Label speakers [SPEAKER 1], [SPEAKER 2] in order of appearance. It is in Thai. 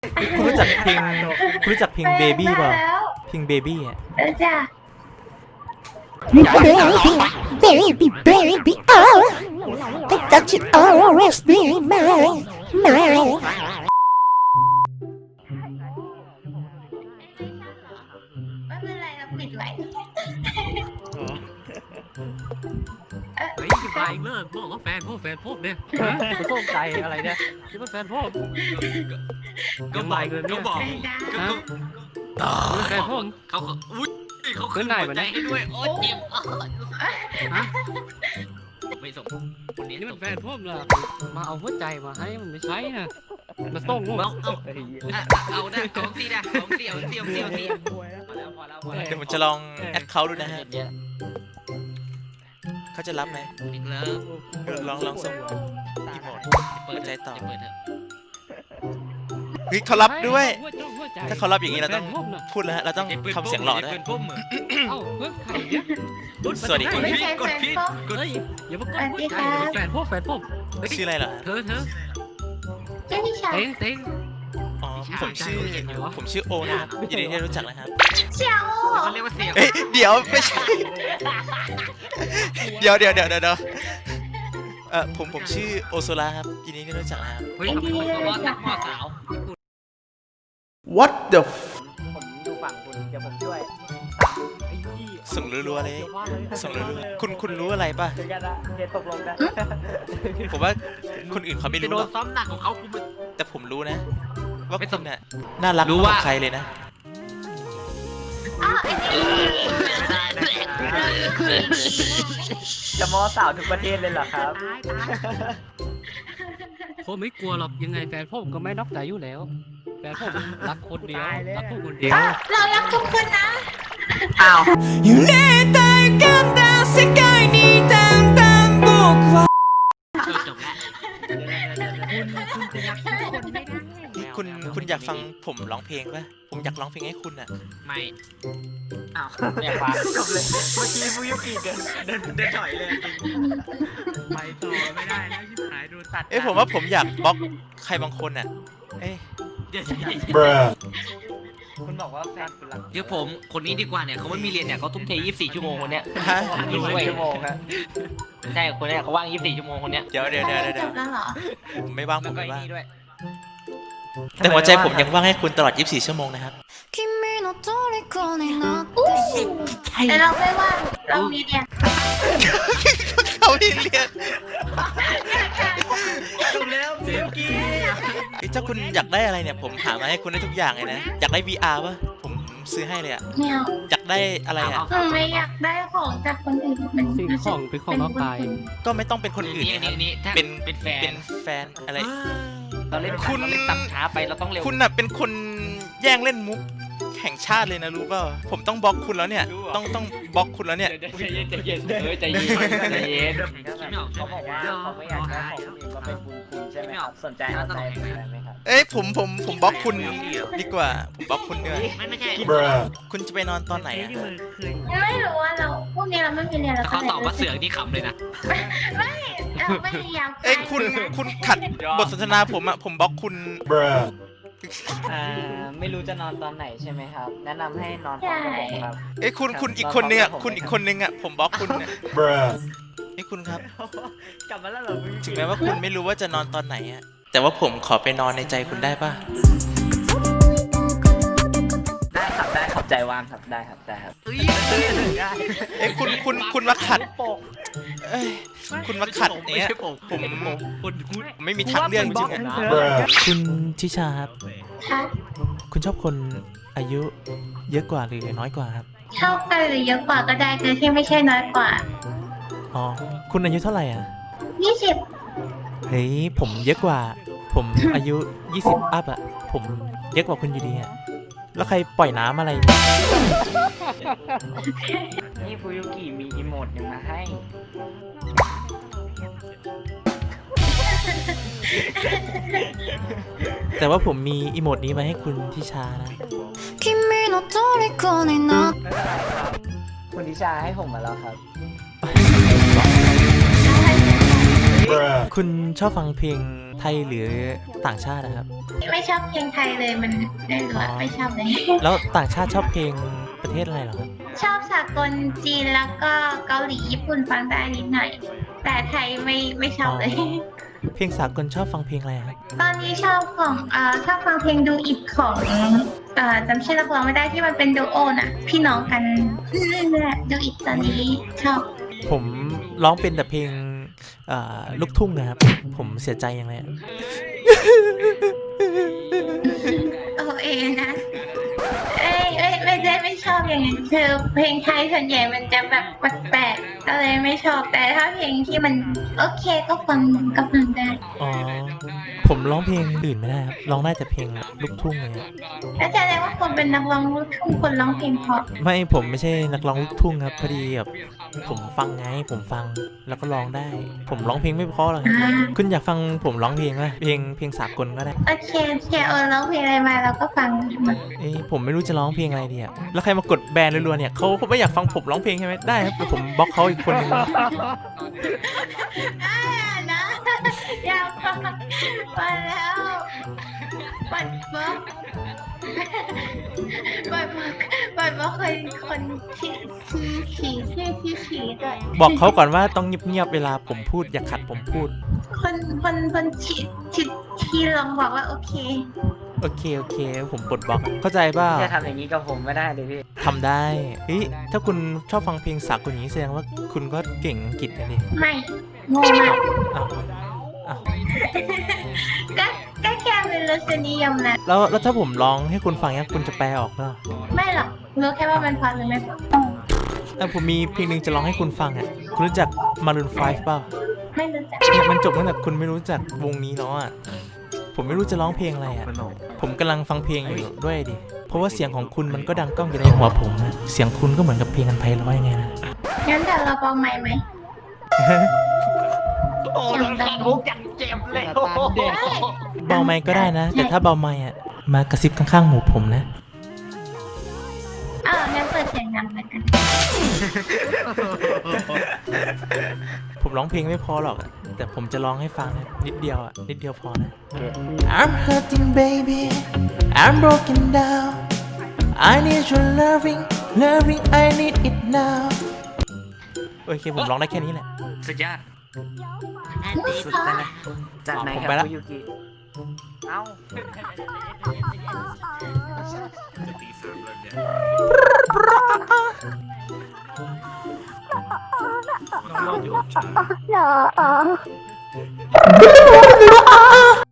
[SPEAKER 1] คุณรู้จักเพลงเบบี้ป่ะเพลงเบบี้อ่ะ
[SPEAKER 2] จ้ะ
[SPEAKER 3] Baby, baby, oh, that you always be mine.
[SPEAKER 2] ไม่เป็นไรเราปิดไว้
[SPEAKER 4] เฮ้ยจะมาอีกเลิกบอกว่าแฟนพวกเนี่ยจะโต้ใจอะไรเนี่ยคิดว่าแฟนพวกก็บอกก็บอก
[SPEAKER 2] จ้ะ
[SPEAKER 4] แฟนพวก
[SPEAKER 5] เขาอุ้ยเขาขึ้นหัวใจให้ด้วยโอ้เจ็บไม่ส่งคนนี้
[SPEAKER 4] นี่
[SPEAKER 5] ส่
[SPEAKER 4] มัน
[SPEAKER 5] ง
[SPEAKER 4] แฟนพวกเหรอมาเอาหัวใจมาให้มันไม่ใช่นะมาส่งพวก
[SPEAKER 5] เอาได้ของซีนะของซีเอาซีเอาซีเอาซีพอแล้ว
[SPEAKER 1] เดี๋ยวผมจะลองแอดเขาดูนะฮะเขาจะรับไหม
[SPEAKER 5] อีกแล้ว
[SPEAKER 1] ลองส่งอีโมด
[SPEAKER 5] เปิดใจต่อเปิดเถอะ
[SPEAKER 1] เฮ้ยเขารับด้วยถ้าเขารับอย่างนี้เราต้องพูดแล้วฮะเราต้องทำเสียงหล่อด้วย
[SPEAKER 5] เป็นพุ่มเหมือน
[SPEAKER 4] เอ้าเพื่อนใครเนี่ย
[SPEAKER 1] สวัสดีครับ
[SPEAKER 2] ไม่ใช่แฟนป๊อป
[SPEAKER 4] เฮ้ยอย่ามากดหัวใจแฟนพวก
[SPEAKER 1] ชื่ออะไรเหรอ
[SPEAKER 4] เธอ
[SPEAKER 2] เจ้าพี่ชาย
[SPEAKER 4] เต็ง
[SPEAKER 1] อ๋อผมชื่อโอนะครับยินดีที่ได้รู้จักนะครับ
[SPEAKER 2] เชียว
[SPEAKER 5] เขาเรียกว่าเสียง
[SPEAKER 1] เอ้ยเดี๋ยวไม่ใช่เดี๋ยวผมชื่อโอโซล่าครับยินดีที่ได้รู้จักนะครับ
[SPEAKER 5] เฮ้ยเขาเป็นคนว่านักมอสาว
[SPEAKER 1] What the
[SPEAKER 6] ผมอยู่ฝั่งคุณเดี๋ยวผมช่วย
[SPEAKER 1] ส่งรัวๆเลยส่งรัวๆคุณรู้อะไรป่ะ
[SPEAKER 6] เจอกันนะเจตกลงกัน
[SPEAKER 1] ผมว่าคนอื่นเขาไม่
[SPEAKER 5] จะ
[SPEAKER 1] รู้
[SPEAKER 5] โด
[SPEAKER 1] หร
[SPEAKER 5] น
[SPEAKER 1] อก
[SPEAKER 5] ซ้อมหนักของเขาคุณมัน
[SPEAKER 1] แต่ผมรู้นะ ว่าคุณน่ะน่ารัก
[SPEAKER 5] รู้
[SPEAKER 1] ก
[SPEAKER 5] ว่า
[SPEAKER 1] ว่าใครเลยนะ
[SPEAKER 2] อ้าวไอ้นี่
[SPEAKER 6] จะมอสาวทุกประเทศเลยเหรอครับ
[SPEAKER 4] ผมไม่กลัวหรอกยังไงแฟนผมก็ไม่นอกใจอยู่แล้วแฟนผมรักคนเดียวรักพวกคนเดียว
[SPEAKER 2] เรารักทุกคนนะ
[SPEAKER 6] อ้าว
[SPEAKER 5] จบแล้ว
[SPEAKER 1] คุณอยากฟังผมร้องเพลงป่ะผมอยากร้องเพลงให้คุณอ่ะ
[SPEAKER 5] ไม่
[SPEAKER 6] อ้าวเนี่ยฟังจบเลยเมื่อกี้ฟูยุกิเดินถอยเลย
[SPEAKER 5] ไปต่อไม่ได้แล้วชิบหายโดนตัด
[SPEAKER 1] เอ้ยผมว่าผมอยากบล็อกใครบางคนอ่ะเอ้ย
[SPEAKER 5] เดี๋ยว
[SPEAKER 6] คุณบอกว่าแฟนคุณรัก
[SPEAKER 5] เดี๋ยวผมคนนี้ดีกว่าเนี่ยเขาไม่มีเรียนเนี่ยเขาทุ่มเท24 ชั่วโมงคนเนี้ย
[SPEAKER 1] ฮะ
[SPEAKER 6] 24 ชั่วโมงครับ
[SPEAKER 5] ใช่คนเนี้ยเขาว่าง24 ชั่วโมงคนเนี้ย
[SPEAKER 1] เดี๋ยว
[SPEAKER 2] จบแล้วเหรอ
[SPEAKER 1] ผมไม่ว่างผ
[SPEAKER 5] แล้ว
[SPEAKER 1] ม
[SPEAKER 5] ก็
[SPEAKER 1] ไม่
[SPEAKER 5] ไอ้
[SPEAKER 1] ว่าง
[SPEAKER 5] นี่ด้วย
[SPEAKER 1] แต่หัวใจผมยังว่างให้คุณตลอด 24 ชั่วโมงนะครับ
[SPEAKER 3] 君の虜になって
[SPEAKER 2] แต่เราไม่ว่างเรามีเรียน
[SPEAKER 1] เขาเรียน
[SPEAKER 6] จบแล้วฟูยุกิ
[SPEAKER 1] ถ้าคุณอยากได้อะไรเนี่ยผมหามาให้คุณได้ทุกอย่างเลยนะอยากได้ VR ป่ะผมซื้อให้เลยอ่ะ
[SPEAKER 2] แมว
[SPEAKER 1] อยากได้อะไรอ่ะ
[SPEAKER 2] ไม่อยากได้ของจากคนอื่นเป็น
[SPEAKER 4] สิ่งของเป็นของนอกกาย
[SPEAKER 1] ก็ไม่ต้องเป็นคนอื่นนะครับ
[SPEAKER 5] นี่ถ้า
[SPEAKER 1] เป็น
[SPEAKER 5] เป็นแฟ
[SPEAKER 1] เป็น นแฟนอะไร
[SPEAKER 5] เราเล่น
[SPEAKER 1] คุณ
[SPEAKER 5] เราเล่นตับช้าไปเราต้องเร็ว
[SPEAKER 1] คุณน่ะเป็นคนแย่งเล่นมุกแห่งชาติเลยนะรู้เปล่าผมต้องบล็อกคุณแล้วเนี่ยต้องบล็อกคุณแล้วเนี่ย
[SPEAKER 5] ใจเย็นใจเย็นใจเย็น
[SPEAKER 6] เขาบอกว่าเขาไม่อยากได้ของคนอื่นมาเป็นบุญคุณใช่ไหมครับสนใจเอาใจไหมครับ
[SPEAKER 1] เอ้ยผมบล็อกคุณดีกว่าผมบล็อกคุณด้วย
[SPEAKER 5] ไม่ใช่
[SPEAKER 1] คุณจะไปนอนตอนไหนอะ
[SPEAKER 2] ไม่รู้ว่าเราพวกนี้เราไม่มีเรียนเรา
[SPEAKER 5] ถ้าเขาตอบว่าเสือกนี่ขำเลยนะ
[SPEAKER 2] เราไม่อยาก
[SPEAKER 1] เอ้ยคุณขัดบทสนทนาผมอะผมบล็อกคุณ
[SPEAKER 6] ไม่รู้จะนอนตอนไหนใช่ไหมครับ แนะนำให้นอนพร้อมกับผมครับ
[SPEAKER 1] เอ้ยคุณอีกคนนึงอะคุณอีกคนนึงอะผมบล็อกคุณเนี่ยเอ้ยคุณครับ
[SPEAKER 6] กลับมาแล้วเหรอ
[SPEAKER 1] ถึงแม้ว่าคุณไม่รู้ว่าจะนอนตอนไหนอะแต่ว่าผมขอไปนอนในใจคุณได้ป่ะ
[SPEAKER 6] ได้ครับใจว่างครับได้ครับได้ครับ
[SPEAKER 1] เอ้ยคุณมาขัดเอ้ยคุณมาขัดเนี้ยผมไม่มีทางเลือกจริงๆอะคุณทิชาครับ
[SPEAKER 2] ค่ะ
[SPEAKER 1] คุณชอบคนอายุเยอะกว่าหรือน้อยกว่าครับ
[SPEAKER 2] เท่ากันหรือเยอะกว่าก็ได้แต่ที่ไม่ใช่น้อยกว่า
[SPEAKER 1] อ๋อคุณอายุเท่าไหร่อ่ะ
[SPEAKER 2] 20
[SPEAKER 1] เฮ้ยผมเยอะกว่า ผมอายุ20อัพอ่ะผมเยอะกว่าคุณอยู่ดีอ่ะแล้วใครปล่อยน้ำอะไร
[SPEAKER 6] นี่ฟูยุกิมีอีโมดยังมาให้
[SPEAKER 1] แต่ว่าผมมีอีโมดนี้มาให้คุณทิชานะ
[SPEAKER 3] 君の虜になって
[SPEAKER 6] ไม่เป็นไรครับ คุณทิชาให้ผมมาแล้วครับ
[SPEAKER 1] คุณชอบฟังเพลงไทยหรือต่างชาตินะครับ
[SPEAKER 2] ไม่ชอบเพลงไทยเลยมันไม่รู้อะไม่ชอบเลย
[SPEAKER 1] แล้วต่างชาติชอบเพลงประเทศอะไรเหรอครับ
[SPEAKER 2] ชอบสากลจีนแล้วก็เกาหลีญี่ปุ่นฟังได้นิดหน่อย แต่ไทยไม่ชอบเลย
[SPEAKER 1] เพลงสากลชอบฟังเพลงอะไรครับ
[SPEAKER 2] ตอนนี้ชอบของชอบฟังเพลงดูอิดของจำชื่อนักร้องไม่ได้ที่มันเป็นดูโอน่ะ พี่น้องกันนั่นแหละดูอิดตอนนี้ชอบ
[SPEAKER 1] ผมร้องเป็นแต่เพลงลูกทุ่งนะครับ ผมเสียใจยังไงอะ
[SPEAKER 2] โอเอนะไม่ได้ไม่ชอบอย่างนั้นคือเพลงไทยส่วนใหญ่มันจะแบบแปลกๆก็เลยไม่ชอบแต่ถ้าเพลงที่มันโอเคก็ฟังได้
[SPEAKER 1] อ๋อ ผมร้องเพลงอื่นไม่ได้ครับ ร้องได้แต่เพลงลูกทุ่งเลยอะ
[SPEAKER 2] แล้วแสดงว่าคนเป็นนักร้องลูกทุ่งคนร้องเพลงเพราะ
[SPEAKER 1] ไม่ผมไม่ใช่นักร้องลูกทุ่งครับพอดีแบบผมฟังไงผมฟังแล้วก็ร้องได้ ผมร้องเพลงไม่เพราะหรอกครับคุณอยากฟังผมร้องเพลงไหมเพลงสากลก็ได้
[SPEAKER 2] โอเคร้องเพลงอะไรมาเราก็ฟังหมด
[SPEAKER 1] ผมไม่รู้จะร้องเพลงอะไรดีอะแล้วใครมากดแบนรัวๆเนี่ยเขาไม่อยากฟังผมร้องเพลงใช่ไหมได้ครับเดี๋ยวผมบล็อกเขาอีกคนนึง
[SPEAKER 2] นะอยากฟังมาแล้วปัดบล็อกคนที่ขี่ด้วย
[SPEAKER 1] บอกเขาก่อนว่าต้องเงียบๆเวลาผมพูดอย่าขัดผมพูด
[SPEAKER 2] คนที่ลองบอกว่าโอเค
[SPEAKER 1] โอเคผมปลดบล็อกเข้าใจเปล่า
[SPEAKER 6] จะทำอย่างนี้กับผมไม่ได้เลยพี่
[SPEAKER 1] ทำได้เฮ้ยถ้าคุณชอบฟังเพลงสากลอย่างนี้แสดงว่าคุณก็เก่งอังกฤษนะดิ
[SPEAKER 2] ไม่โง่มาก
[SPEAKER 1] อ้าว
[SPEAKER 2] ก็แค่เป็นรสนิยมนะ
[SPEAKER 1] แล้วถ้าผมร้องให้คุณฟังเนี่ยคุณจะแปลออกเปล่า
[SPEAKER 2] ไม่หรอกรู้แค่ว่ามันพอหรือไม่พอ
[SPEAKER 1] แต่ผมมีเพลงหนึ่งจะร้องให้คุณฟังอ่ะคุณรู้จัก Maroon 5 เปล่า
[SPEAKER 2] ไม่รู้จัก
[SPEAKER 1] เนี่ยมันจบตั้งแต่คุณไม่รู้จักวงนี้แล้วอ่ะผมไม่รู้จะร้องเพลงอะไรอ่ะผมกำลังฟังเพลงอยู่ด้วยดิเพราะว่าเสียงของคุณมันก็ดังก้องอยู่ในหัวผมนะเสียงคุณก็เหมือนกับเพลงอันไพเราะยังไงนะ
[SPEAKER 2] งั้นเดี๋ยวเราเบาใหม่ไหม
[SPEAKER 6] โอ้โดนแขกมุกอย่างเจ็บเลยโอ้โห
[SPEAKER 1] เบาไมค์ก็ได้นะ แต่ถ้าเบาไมค์อ่ะมากระซิบข้างๆหูผมนะ
[SPEAKER 2] งั้นเปิดเสียงดังแล้วกัน
[SPEAKER 1] ผมร้องเพลงไม่พอหรอกอะแต่ผมจะร้องให้ฟังนะนิดเดียวอ่ะนิดเดียวพอนะ I'm hurting baby I'm broken down I need your loving I need it now โอเคผมร้องได้แค่นี้แหละ
[SPEAKER 5] สุดยอด
[SPEAKER 6] สุดเลยจากไหน
[SPEAKER 1] ผม
[SPEAKER 6] ค
[SPEAKER 1] ไป
[SPEAKER 6] รับ
[SPEAKER 1] ละ
[SPEAKER 6] คุยูกิเอ้า
[SPEAKER 3] No.